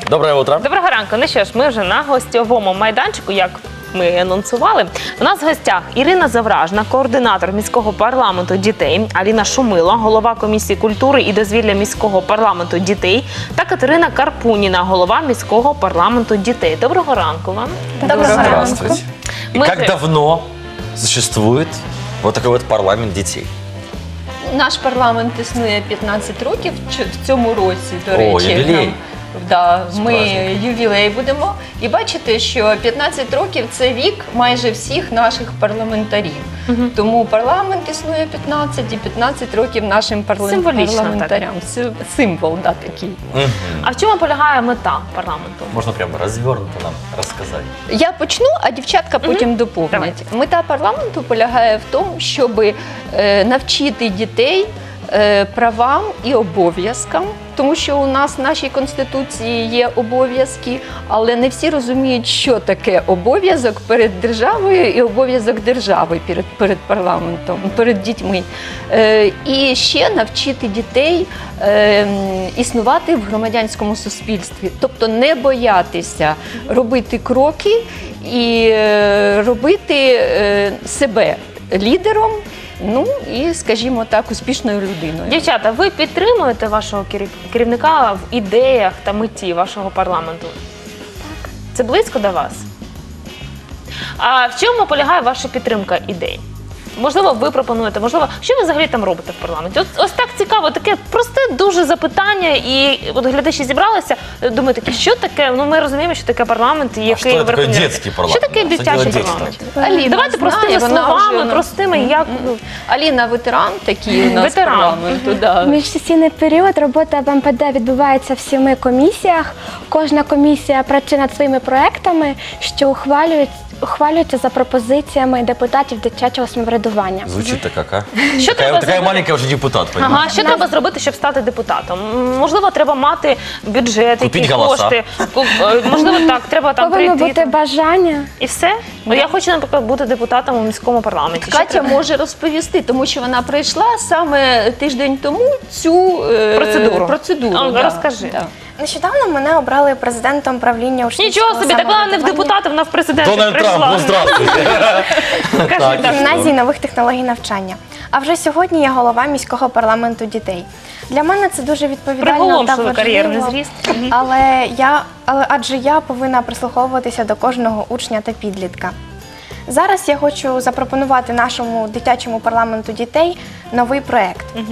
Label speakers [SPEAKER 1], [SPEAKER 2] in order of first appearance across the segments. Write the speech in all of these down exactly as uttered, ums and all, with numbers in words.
[SPEAKER 1] Доброе утро.
[SPEAKER 2] Доброго ранку. Ну що ж, ми вже на гостьовому майданчику, як ми анонсували. У нас в гостях Ірина Завражна, координатор міського парламенту дітей, Аліна Шумила, голова комісії культури і дозвілля міського парламенту дітей, та Катерина Карпуніна, голова міського парламенту дітей. Доброго ранку вам.
[SPEAKER 3] Доброго ранку.
[SPEAKER 1] Здравствуйте. И
[SPEAKER 2] Мы
[SPEAKER 1] как
[SPEAKER 2] же-
[SPEAKER 1] давно существует вот такой вот парламент детей?
[SPEAKER 3] Наш парламент існує п'ятнадцять років Ч- в цьому році, до
[SPEAKER 1] О,
[SPEAKER 3] речі.
[SPEAKER 1] ювілей.
[SPEAKER 3] нам, да,
[SPEAKER 1] З
[SPEAKER 3] ми
[SPEAKER 1] праздником.
[SPEAKER 3] ювілей будемо. І бачите, що п'ятнадцять років – це вік майже всіх наших парламентарів. Тому парламент існує п'ятнадцять і п'ятнадцять років нашим парла-
[SPEAKER 2] Символічно,
[SPEAKER 3] парламентарям. Сим- Символ, да, такий.
[SPEAKER 1] Мгм.
[SPEAKER 2] А в чому полягає мета парламенту?
[SPEAKER 1] Можно прямо развернуто нам рассказать.
[SPEAKER 3] Я почну, а дівчатка потім доповнять.
[SPEAKER 2] Давайте.
[SPEAKER 3] Мета парламенту полягає в тому, щоб е, навчити дітей е, правам і обов'язкам, тому що у нас в нашій Конституції є обов'язки, але не всі розуміють, що таке обов'язок перед державою і обов'язок держави перед, перед парламентом, перед дітьми. Е, і ще навчити дітей е, м, існувати в громадянському суспільстві, тобто не боятися робити кроки і е, робити е, себе лідером, ну і, скажімо так, успішною людиною.
[SPEAKER 2] Дівчата, ви підтримуєте вашого керів- керівника в ідеях та меті вашого парламенту? Так. Це близько до вас? А в чому полягає ваша підтримка ідей? Можливо, ви пропонуєте, можливо, що ви взагалі там робите в парламенті? От, ось так цікаво, таке просте дуже запитання, і от глядачі зібралися, думаю, такі, що таке, ну ми розуміємо, що таке парламент, і
[SPEAKER 1] А
[SPEAKER 2] який
[SPEAKER 1] что это такое
[SPEAKER 2] Верховний Ради.
[SPEAKER 1] детский парламент?
[SPEAKER 2] Що таке
[SPEAKER 1] Что
[SPEAKER 2] дитячий
[SPEAKER 1] делают дети
[SPEAKER 2] парламент?
[SPEAKER 1] там?
[SPEAKER 3] Аліна
[SPEAKER 2] Давайте
[SPEAKER 3] знає,
[SPEAKER 2] простими
[SPEAKER 3] вона
[SPEAKER 2] словами,
[SPEAKER 3] вже,
[SPEAKER 2] простими, як... ну,
[SPEAKER 3] Аліна ветеран такий у нас
[SPEAKER 2] Ветеран.
[SPEAKER 3] парламенту. Да.
[SPEAKER 4] Міжсесійний період робота в ем пе де відбувається в семи комісіях. Кожна комісія працює над своїми проектами, що ухвалюють, ухвалюються за пропозиціями депутатів дитячого самоврядування.
[SPEAKER 1] Звучит-то как, а?
[SPEAKER 2] Що
[SPEAKER 1] Такая,
[SPEAKER 2] треба
[SPEAKER 1] такая
[SPEAKER 2] зробити?
[SPEAKER 1] маленькая уже депутат, понимаешь?
[SPEAKER 2] Ага, що треба зробити, щоб стати депутатом? М, Можливо, треба мати бюджет,
[SPEAKER 1] Купіть
[SPEAKER 2] які
[SPEAKER 1] голоса.
[SPEAKER 2] кошти. Ку- е, Можливо, так, треба там
[SPEAKER 4] Повинно
[SPEAKER 2] прийти.
[SPEAKER 4] бути
[SPEAKER 2] там.
[SPEAKER 4] бажання.
[SPEAKER 2] І все? Ну, я хочу, наприклад, бути депутатом у міському парламенті. Що
[SPEAKER 3] Катя
[SPEAKER 2] треба?
[SPEAKER 3] може розповісти, тому що вона пройшла саме тиждень тому цю е,
[SPEAKER 2] Процедуру.
[SPEAKER 3] процедуру.
[SPEAKER 2] А,
[SPEAKER 3] да,
[SPEAKER 2] розкажи.
[SPEAKER 3] да.
[SPEAKER 5] Нещодавно мене обрали президентом правління учнівського
[SPEAKER 2] Нічого собі, так вона не в
[SPEAKER 5] самоврядування
[SPEAKER 2] депутати, вона в президенти
[SPEAKER 1] Дональд Трамп,
[SPEAKER 2] прийшла.
[SPEAKER 1] ну здравствуйте.
[SPEAKER 2] Кажи,
[SPEAKER 1] Так,
[SPEAKER 2] так.
[SPEAKER 1] і
[SPEAKER 5] гімназії нових технологій навчання. А вже сьогодні я голова міського парламенту дітей. Для мене це дуже відповідально та
[SPEAKER 2] Приголомшливий
[SPEAKER 5] важливо,
[SPEAKER 2] кар'єрний зріст. Мгм.
[SPEAKER 5] але я, але адже я повинна прислуховуватися до кожного учня та підлітка. Зараз я хочу запропонувати нашому дитячому парламенту дітей новий проект.
[SPEAKER 2] Мгм.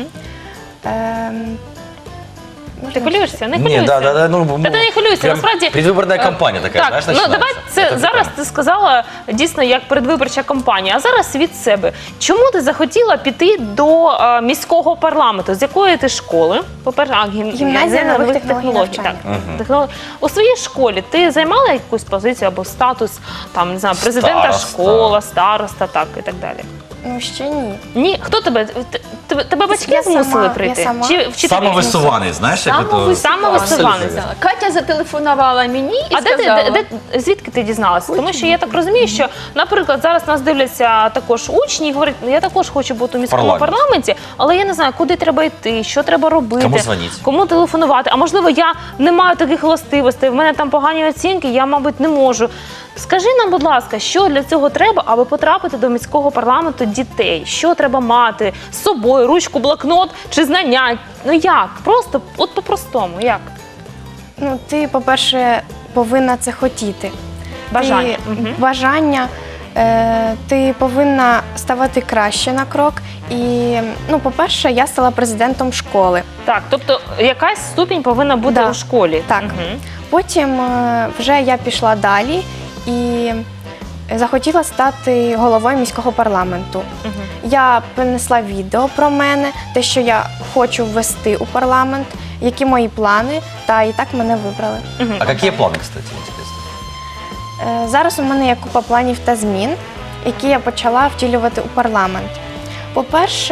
[SPEAKER 5] Ем,
[SPEAKER 2] Ти хвилюєшся? Не
[SPEAKER 1] Не,
[SPEAKER 2] хвилюйся.
[SPEAKER 1] да, да, да, ну,
[SPEAKER 2] Та ти не хвилюйся,
[SPEAKER 1] прям
[SPEAKER 2] насправді...
[SPEAKER 1] предвыборная кампания такая,
[SPEAKER 2] Так,
[SPEAKER 1] знаешь,
[SPEAKER 2] ну давай
[SPEAKER 1] начинается.
[SPEAKER 2] це
[SPEAKER 1] Это
[SPEAKER 2] зараз
[SPEAKER 1] прикольно.
[SPEAKER 2] ти сказала дійсно як передвиборча кампанія, а зараз від себе. Чому ти захотіла піти до е, міського парламенту? З якої ти школи? По-перше, а, гім...
[SPEAKER 5] Гімназія нових технологій навчання.
[SPEAKER 2] Так,
[SPEAKER 1] Мгм.
[SPEAKER 2] технолог- У своїй школі ти займала якусь позицію або статус там, не знаю, президента
[SPEAKER 1] Староста.
[SPEAKER 2] школи, староста, так і так далі?
[SPEAKER 5] ну ще ні.
[SPEAKER 2] Ні, хто тебе? Т- Тебе, тебе батьки
[SPEAKER 5] Я
[SPEAKER 2] змусили
[SPEAKER 5] сама,
[SPEAKER 2] прийти?
[SPEAKER 5] я сама.
[SPEAKER 2] Чи вчителі?
[SPEAKER 1] Самовысуваний, знаешь, как это?
[SPEAKER 2] Самовысуваний. Самовисуванець.
[SPEAKER 3] Да. Катя зателефонувала мені і
[SPEAKER 2] А де ти,
[SPEAKER 3] сказала.
[SPEAKER 2] де, де, звідки ти дізналася? Тому що я так розумію, що, наприклад, зараз нас дивляться також учні і говорять, «Ну, я також хочу бути у міському
[SPEAKER 1] Парламент.
[SPEAKER 2] парламенті, але я не знаю, куди треба йти, що треба робити,
[SPEAKER 1] Кому дзвонити?
[SPEAKER 2] кому телефонувати. А можливо, я не маю таких властивостей, в мене там погані оцінки, я, мабуть, не можу. Скажи нам, будь ласка, що для цього треба, аби потрапити до міського парламенту дітей? Що треба мати з собою, ручку, блокнот чи знання? Ну як? Просто, от по-простому, як?
[SPEAKER 5] Ну, ти, по-перше, повинна це хотіти.
[SPEAKER 2] Бажання.
[SPEAKER 5] Ти,
[SPEAKER 2] Мгм.
[SPEAKER 5] бажання. Е, ти повинна ставати краще на крок. І, ну, по-перше, я стала президентом школи.
[SPEAKER 2] Так, тобто якась ступінь повинна бути
[SPEAKER 5] Да.
[SPEAKER 2] у школі.
[SPEAKER 5] Так.
[SPEAKER 2] Мгм.
[SPEAKER 5] Потім е, вже я пішла далі і захотіла стати головою міського парламенту.
[SPEAKER 2] Мгм.
[SPEAKER 5] Я принесла відео про мене, те, що я хочу ввести у парламент, які мої плани, та і так мене вибрали.
[SPEAKER 2] Мгм.
[SPEAKER 1] А какие планы, кстати, интересно?
[SPEAKER 5] Е, Зараз у мене є купа планів та змін, які я почала втілювати у парламент. По-перше,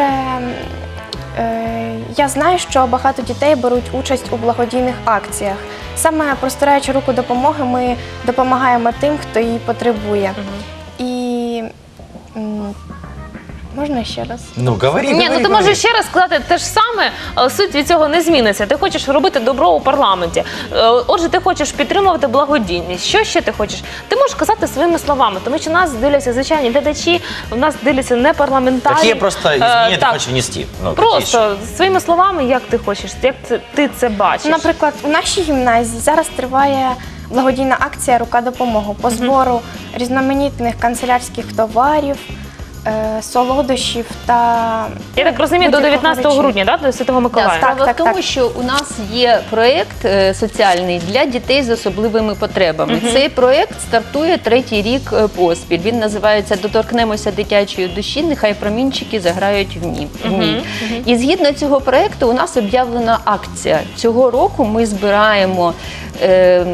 [SPEAKER 5] е, я знаю, що багато дітей беруть участь у благодійних акціях. Саме простираючи руку допомоги, ми допомагаємо тим, хто її потребує.
[SPEAKER 2] Мгм.
[SPEAKER 5] І м, Можна ще раз?
[SPEAKER 1] Ну, говори,
[SPEAKER 2] Ні,
[SPEAKER 1] говори,
[SPEAKER 2] ну ти
[SPEAKER 1] говори.
[SPEAKER 2] можеш ще раз сказати те ж саме, але суть від цього не зміниться. Ти хочеш робити добро у парламенті. Е, Отже, ти хочеш підтримувати благодійність. Що ще ти хочеш? Ти можеш казати своїми словами, тому що нас дивляться звичайні глядачі, у нас дивляться не парламентарі.
[SPEAKER 1] Какие просто
[SPEAKER 2] Е,
[SPEAKER 1] изменения ты
[SPEAKER 2] так,
[SPEAKER 1] хочешь внести? Ну, какие еще?
[SPEAKER 2] Просто своїми словами, як ти хочеш, як це, ти це бачиш.
[SPEAKER 5] Наприклад, у нашій гімназії зараз триває благодійна акція Рука допомоги по збору різноманітних канцелярських товарів, е, солодощів та
[SPEAKER 2] Я так розумію, до
[SPEAKER 5] будь-якого
[SPEAKER 2] дев'ятнадцятого
[SPEAKER 5] речі.
[SPEAKER 2] грудня, да, до Святого Миколая?
[SPEAKER 3] Так, справа
[SPEAKER 5] так,
[SPEAKER 3] в тому,
[SPEAKER 5] так.
[SPEAKER 3] що у нас є проєкт е, соціальний для дітей з особливими потребами. Цей проєкт стартує третій рік е, поспіль. Він називається «Доторкнемося дитячої душі, нехай промінчики заграють в ній». в ній». І згідно цього проєкту у нас об'явлена акція. Цього року ми збираємо е,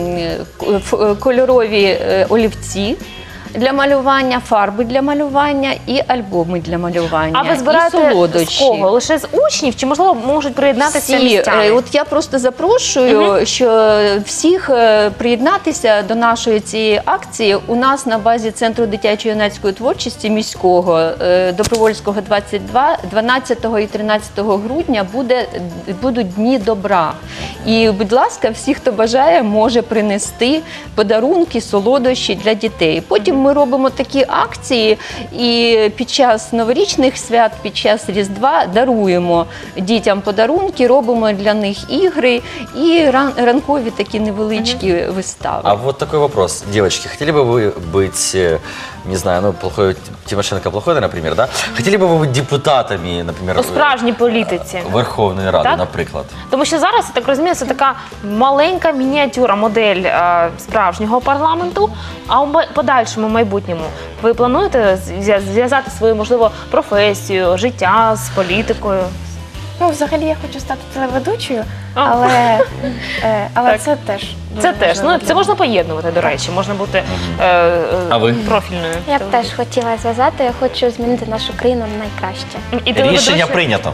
[SPEAKER 3] м, ф- кольорові е, олівці для малювання, фарби для малювання і альбоми для малювання.
[SPEAKER 2] А ви
[SPEAKER 3] і
[SPEAKER 2] збираєте з
[SPEAKER 3] солодощі.
[SPEAKER 2] кого? Лише з учнів? Чи, можливо, можуть приєднатися
[SPEAKER 3] Всі,
[SPEAKER 2] містяни?
[SPEAKER 3] е, от я просто запрошую, що всіх е, приєднатися до нашої цієї акції. У нас на базі Центру дитячо-юнацької творчості міського е, Добровольського двадцять два, дванадцятого і тринадцятого грудня буде, будуть Дні добра. І, будь ласка, всі, хто бажає, може принести подарунки, солодощі для дітей. Потім ми робимо такі акції і під час новорічних свят, під час Різдва даруємо дітям подарунки, робимо для них ігри і ран- ранкові такі невеличкі вистави.
[SPEAKER 1] А вот такой вопрос. Девочки, хотели бы вы быть, э, не знаю, ну, плохой, Тимошенко плохой, например, да? Хотели бы вы быть депутатами, например,
[SPEAKER 2] У справжній політиці.
[SPEAKER 1] Верховної Ради,
[SPEAKER 2] Так?
[SPEAKER 1] наприклад?
[SPEAKER 2] Тому що зараз, я так розумію, це така маленька мініатюра, модель е, справжнього парламенту. А у май- подальшому майбутньому ви плануєте зв'я- зв'язати свою, можливо, професію, життя з політикою?
[SPEAKER 5] Ну, взагалі я хочу стати телеведучою,
[SPEAKER 2] А.
[SPEAKER 5] але, е, але
[SPEAKER 2] Так.
[SPEAKER 5] це теж дуже
[SPEAKER 2] Це теж,
[SPEAKER 5] важливо
[SPEAKER 2] ну
[SPEAKER 5] для
[SPEAKER 2] це
[SPEAKER 5] мене.
[SPEAKER 2] можна поєднувати, до речі, можна бути е, е,
[SPEAKER 1] А ви?
[SPEAKER 2] профільною.
[SPEAKER 4] Я б теж хотіла зв'язати, я хочу змінити нашу країну на найкраще.
[SPEAKER 2] І телеведучою.
[SPEAKER 1] Рішення прийнято.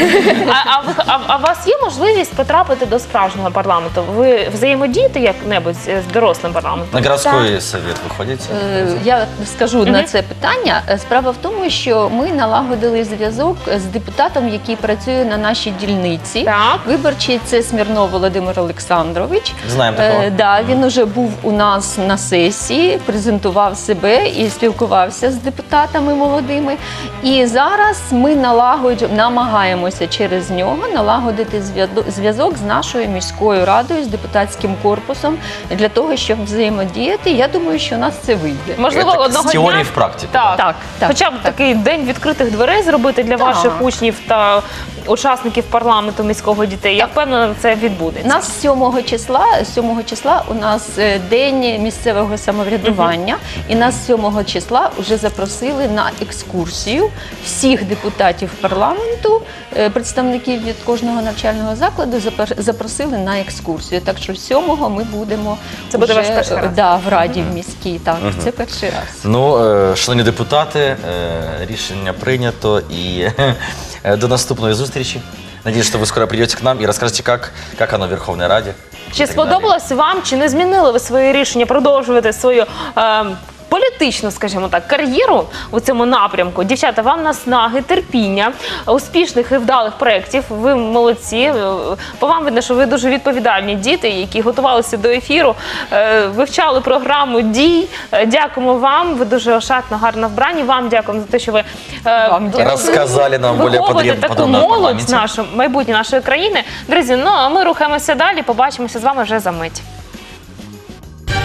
[SPEAKER 2] А, а, ви- а, а у вас є можливість потрапити до справжнього парламенту? Ви взаємодієте як-небудь з дорослим парламентом?
[SPEAKER 1] На городской совет вы ходите?
[SPEAKER 3] Е, Я скажу на це питання. Е, Справа в тому, що ми налагодили зв'язок з депутатом, який працює на нашій дільниці.
[SPEAKER 2] Так.
[SPEAKER 3] Виборчий це Смірнов Володимир Олександрович.
[SPEAKER 1] Знаємо такого.
[SPEAKER 3] Е, да, він уже був у нас на сесії, презентував себе і спілкувався з депутатами молодими. І зараз ми налагоджуємо, намагаємося через нього налагодити зв'язок- зв'язок з нашою міською радою, з депутатським корпусом для того, щоб взаємодіяти. Я думаю, що у нас це вийде.
[SPEAKER 2] Можливо,
[SPEAKER 1] Это
[SPEAKER 2] одного
[SPEAKER 1] з теорії
[SPEAKER 2] дня.
[SPEAKER 1] в практику.
[SPEAKER 2] Так,
[SPEAKER 3] Так, так,
[SPEAKER 2] хоча б
[SPEAKER 3] так.
[SPEAKER 2] такий день відкритих дверей зробити для
[SPEAKER 3] Так.
[SPEAKER 2] ваших учнів та учасників парламенту міського дітей. Я впевнена, це відбудеться.
[SPEAKER 3] У нас сьомого числа, сьомого числа у нас е, день місцевого самоврядування, і нас сьомого числа вже запросили на екскурсію всіх депутатів парламенту, е, представників від кожного навчального закладу запер- запросили на екскурсію. Так що сьомого ми будемо
[SPEAKER 2] Це буде
[SPEAKER 3] вже,
[SPEAKER 2] ваш перший
[SPEAKER 3] е,
[SPEAKER 2] раз?
[SPEAKER 3] Да, в Раді в міській. Так, це перший раз.
[SPEAKER 1] Ну, е, шановні депутати, е, рішення прийнято і е, до наступної зустрічі. Надеюсь, что вы скоро придете к нам и расскажете, как, как оно в Верховной Раде.
[SPEAKER 2] Чи
[SPEAKER 1] и так
[SPEAKER 2] сподобалось вам, чи не змінили ви своє рішення продовжувати свою е, політичну, скажімо так, кар'єру у цьому напрямку? Дівчата, вам наснаги, терпіння, успішних і вдалих проєктів. Ви молодці. Е, По вам видно, що ви дуже відповідальні діти, які готувалися до ефіру, е, вивчали програму дій. Е, Дякуємо вам. Ви дуже ошатно, гарно вбрані. Вам дякуємо за те, що ви е,
[SPEAKER 3] Вам дякую.
[SPEAKER 1] Рассказали нам более
[SPEAKER 2] виховуєте
[SPEAKER 1] подробно
[SPEAKER 2] таку
[SPEAKER 1] подробно о
[SPEAKER 2] молодь
[SPEAKER 1] парламенте.
[SPEAKER 2] нашу майбутнє нашої країни. Друзі, ну а ми рухаємося далі. Побачимося з вами вже за мить.